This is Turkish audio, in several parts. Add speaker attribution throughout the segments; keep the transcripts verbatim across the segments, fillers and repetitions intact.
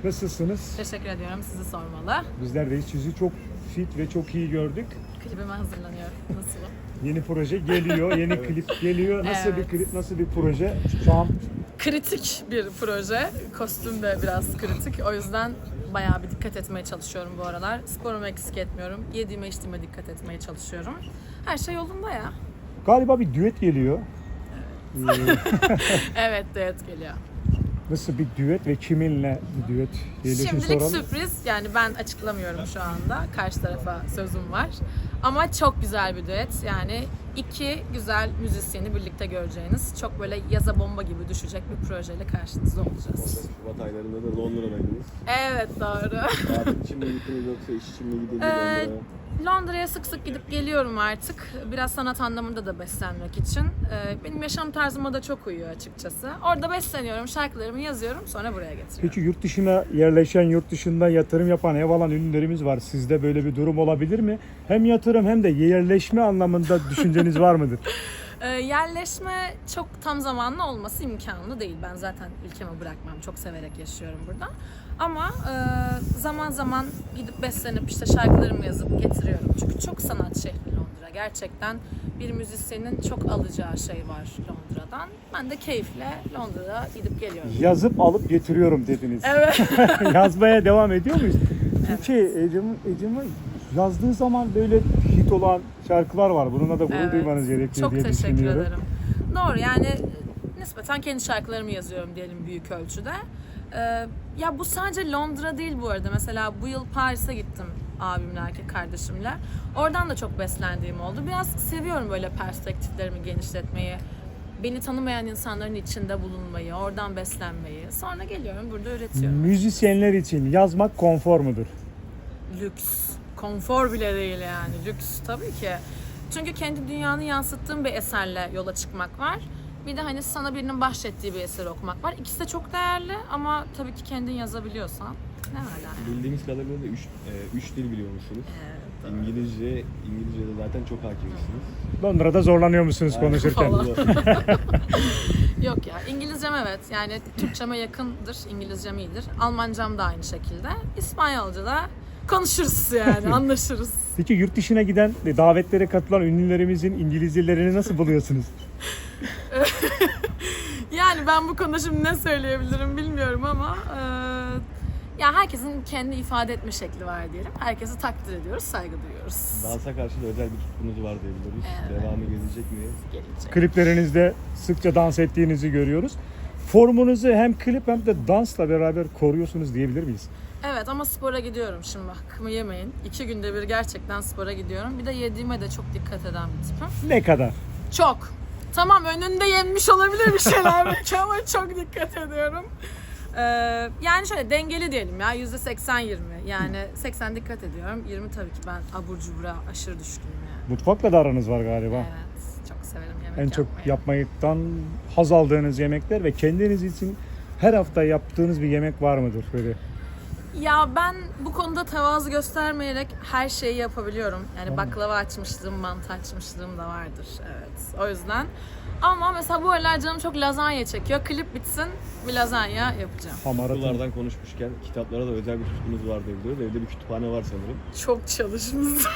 Speaker 1: Nasılsınız?
Speaker 2: Teşekkür ediyorum. Sizi sormalı.
Speaker 1: Bizler de sizi çok fit ve çok iyi gördük.
Speaker 2: Klibime hazırlanıyorum. Nasılım?
Speaker 1: Yeni proje geliyor, yeni klip geliyor. Nasıl
Speaker 2: Evet.
Speaker 1: bir klip, nasıl bir proje? Şu an
Speaker 2: Kritik bir proje. Kostüm de biraz kritik. O yüzden bayağı bir dikkat etmeye çalışıyorum bu aralar. Sporumu eksik etmiyorum. Yediğime içtiğime dikkat etmeye çalışıyorum. Her şey yolunda ya.
Speaker 1: galiba bir düet geliyor. Ee,
Speaker 2: Evet, düet geliyor.
Speaker 1: nasıl bir düet ve kiminle bir düet? Diyelim
Speaker 2: Şimdilik
Speaker 1: soralım.
Speaker 2: sürpriz. Yani ben açıklamıyorum şu anda. Karşı tarafa sözüm var. Ama çok güzel bir düet. Yani iki güzel müzisyeni birlikte göreceğiniz, çok böyle yaza bomba gibi düşecek bir projeyle karşınızda olacağız.
Speaker 3: Şubat aylarında da Londra'daydınız.
Speaker 2: Evet, doğru.
Speaker 3: Tatil için mi gittiniz yoksa iş için mi gidildi
Speaker 2: Ee,
Speaker 3: Londra'ya?
Speaker 2: Londra'ya sık sık gidip geliyorum artık. Biraz sanat anlamında da beslenmek için. Ee, benim yaşam tarzıma da çok uyuyor açıkçası. Orada besleniyorum, şarkılarımı yazıyorum, sonra buraya getiriyorum.
Speaker 1: Peki yurt dışına yerleşen, yurt dışında yatırım yapan, ev alan ünlülerimiz var. Sizde böyle bir durum olabilir mi? Hem yatırım hem de yerleşme anlamında düşünceniz var mıdır?
Speaker 2: Ee, yerleşme çok tam zamanlı olması imkanlı değil. Ben zaten ülkemi bırakmam. Çok severek yaşıyorum burada. Ama e, zaman zaman gidip beslenip işte şarkılarımı yazıp getiriyorum. Çünkü çok sanat şehri Londra. Gerçekten bir müzisyenin çok alacağı şey var Londra'dan. Ben de keyifle Londra'ya gidip geliyorum.
Speaker 1: Yazıp alıp getiriyorum dediniz.
Speaker 2: Evet.
Speaker 1: Yazmaya devam ediyor muyuz? Peki Ecem, Ecem'e yazdığı zaman böyle hit olan şarkılar var. Bununla da gurur
Speaker 2: Evet.
Speaker 1: duymanız gerekiyor
Speaker 2: Çok
Speaker 1: diye
Speaker 2: teşekkür
Speaker 1: düşünüyorum.
Speaker 2: ederim. Doğru, yani nispeten kendi şarkılarımı yazıyorum diyelim büyük ölçüde. Ee, ya bu sadece Londra değil bu arada. Mesela bu yıl Paris'e gittim abimle, erkek kardeşimle. Oradan da çok beslendiğim oldu. Biraz seviyorum böyle perspektiflerimi genişletmeyi. Beni tanımayan insanların içinde bulunmayı, oradan beslenmeyi. Sonra geliyorum burada üretiyorum.
Speaker 1: Müzisyenler için yazmak konfor mudur?
Speaker 2: Lüks. Konfor bile değil yani. Lüks tabii ki. Çünkü kendi dünyanı yansıttığın bir eserle yola çıkmak var. Bir de hani sana birinin bahşettiği bir eseri okumak var. İkisi de çok değerli ama tabii ki kendin yazabiliyorsan ne hala yani.
Speaker 3: Bildiğimiz kadarıyla da üç, e, üç dil biliyor musunuz?
Speaker 2: Evet.
Speaker 3: İngilizce, İngilizce'de zaten çok hakimsiniz.
Speaker 1: Londra'da zorlanıyor musunuz
Speaker 3: Aynen.
Speaker 1: konuşurken?
Speaker 2: Falan. Yok ya, İngilizcem evet, yani Türkçeme yakındır, İngilizcem iyidir. Almancam da aynı şekilde. İspanyolca da konuşuruz yani, anlaşırız.
Speaker 1: Peki yurt dışına giden, davetlere katılan ünlülerimizin İngilizcelerini nasıl buluyorsunuz?
Speaker 2: Yani ben bu konuda şimdi ne söyleyebilirim bilmiyorum ama e, ya herkesin kendi ifade etme şekli var diyelim. Herkesi takdir ediyoruz, saygı duyuyoruz.
Speaker 3: Dansa karşı da özel bir tutkunuz var diyebiliriz.
Speaker 2: Evet.
Speaker 3: Devamı gelecek mi?
Speaker 2: Gelecek.
Speaker 1: Kliplerinizde sıkça dans ettiğinizi görüyoruz. Formunuzu hem klip hem de dansla beraber koruyorsunuz diyebilir miyiz?
Speaker 2: Evet ama spora gidiyorum şimdi, hakkımı yemeyin. İki günde bir gerçekten spora gidiyorum. Bir de yediğime de çok dikkat eden bir tipim.
Speaker 1: Ne kadar?
Speaker 2: Çok. Tamam, önünde yenmiş olabilir bir şeyler belki ama çok dikkat ediyorum. Ee, yani şöyle dengeli diyelim ya, yüzde seksen yirmi. Yani seksen dikkat ediyorum, yirmi tabii ki ben abur cubura aşırı düşkünüm yani.
Speaker 1: Mutfakla da aranız var galiba.
Speaker 2: Evet, çok severim yemek
Speaker 1: En çok
Speaker 2: yapmayı.
Speaker 1: yapmaktan haz aldığınız yemekler ve kendiniz için her hafta yaptığınız bir yemek var mıdır böyle?
Speaker 2: Ya ben bu konuda tevazu göstermeyerek her şeyi yapabiliyorum. Yani baklava açmışlığım, mantı açmışlığım da vardır. Evet, o yüzden. Ama mesela bu aralar canım çok lazanya çekiyor. Klip bitsin, bir lazanya yapacağım.
Speaker 1: Hamaratın.
Speaker 3: Okullardan konuşmuşken kitaplara da özel bir tutkunuz var diyebiliriz. Evde bir kütüphane var sanırım.
Speaker 2: Çok çalışmışım.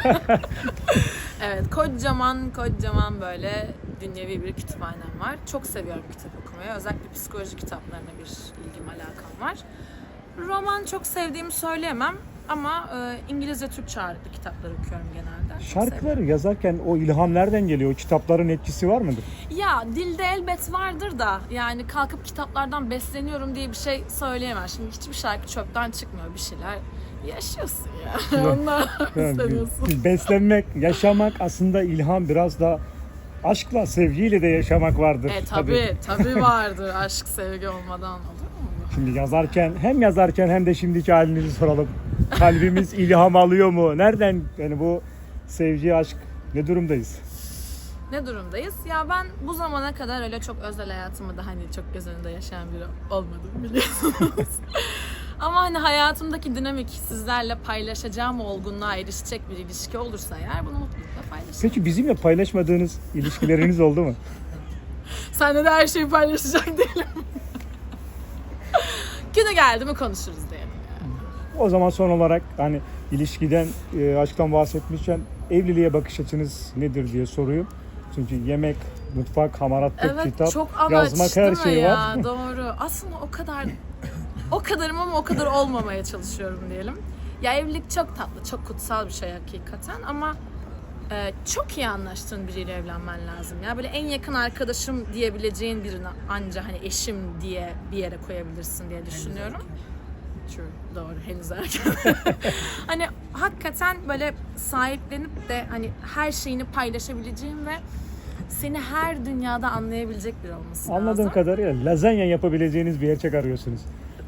Speaker 2: Evet, kocaman kocaman böyle dünyevi bir kütüphanem var. Çok seviyorum kitap okumayı. Özellikle psikoloji kitaplarına bir ilgim, alakam var. Roman çok sevdiğimi söyleyemem ama e, İngilizce, Türkçe ağırlıklı kitaplar okuyorum genelde. Çok
Speaker 1: Şarkıları
Speaker 2: seviyorum.
Speaker 1: yazarken o ilham nereden geliyor? O kitapların etkisi var mıdır?
Speaker 2: Ya dilde elbet vardır da yani kalkıp kitaplardan besleniyorum diye bir şey söyleyemem. Şimdi hiçbir şarkı çöpten çıkmıyor, bir şeyler yaşıyorsun ya. Ondan
Speaker 1: Yani
Speaker 2: seviyorsun.
Speaker 1: beslenmek, yaşamak aslında ilham, biraz da aşkla, sevgiyle de yaşamak vardır.
Speaker 2: E tabii, tabii vardır. Aşk, sevgi olmadan olur mu?
Speaker 1: Şimdi yazarken, hem yazarken hem de şimdiki halinizi soralım. Kalbimiz ilham alıyor mu? Nereden, yani bu sevgi, aşk, ne durumdayız?
Speaker 2: Ne durumdayız? Ya ben bu zamana kadar öyle çok özel hayatımı da hani çok göz önünde yaşayan biri olmadım, biliyorsunuz. Ama hani hayatımdaki dinamik, sizlerle paylaşacağım olgunluğa erişecek bir ilişki olursa eğer, bunu mutlulukla paylaşırım.
Speaker 1: Peki bizimle paylaşmadığınız ilişkileriniz oldu mu?
Speaker 2: Seninle de her şeyi paylaşacak değilim. Günü geldi mi konuşuruz diyelim.
Speaker 1: O zaman son olarak hani ilişkiden, e, aşktan bahsetmişken evliliğe bakış açınız nedir diye soruyorum. Çünkü yemek, mutfak, hamaratlık,
Speaker 2: Evet,
Speaker 1: kitap,
Speaker 2: çok amaç
Speaker 1: yazmak, her
Speaker 2: değil mi
Speaker 1: şey
Speaker 2: ya?
Speaker 1: var.
Speaker 2: Doğru. Aslında o kadar o kadarım ama o kadar olmamaya çalışıyorum diyelim. Ya evlilik çok tatlı, çok kutsal bir şey hakikaten ama e, çok iyi anlaştığın biriyle evlenmen lazım. Ya böyle en yakın arkadaşım diyebileceğin birini anca hani eşim diye bir yere koyabilirsin diye düşünüyorum. True, doğru, henüz erken. Hani hakikaten böyle sahiplenip de hani her şeyini paylaşabileceğin ve seni her dünyada anlayabilecek biri olması
Speaker 1: Anladığım
Speaker 2: lazım.
Speaker 1: kadarıyla lazanya yapabileceğiniz bir erkek arıyorsunuz.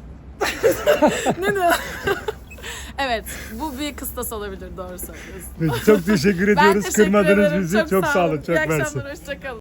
Speaker 2: Ne ne? Evet, bu bir kıstas olabilir, doğru söylüyorsun.
Speaker 1: Peki, çok teşekkür
Speaker 2: Ben
Speaker 1: ediyoruz.
Speaker 2: teşekkür
Speaker 1: Kırmadınız
Speaker 2: ederim,
Speaker 1: bizi. Çok, sağ olun. Çok
Speaker 2: İyi
Speaker 1: mersi.
Speaker 2: akşamlar, hoşça kalın.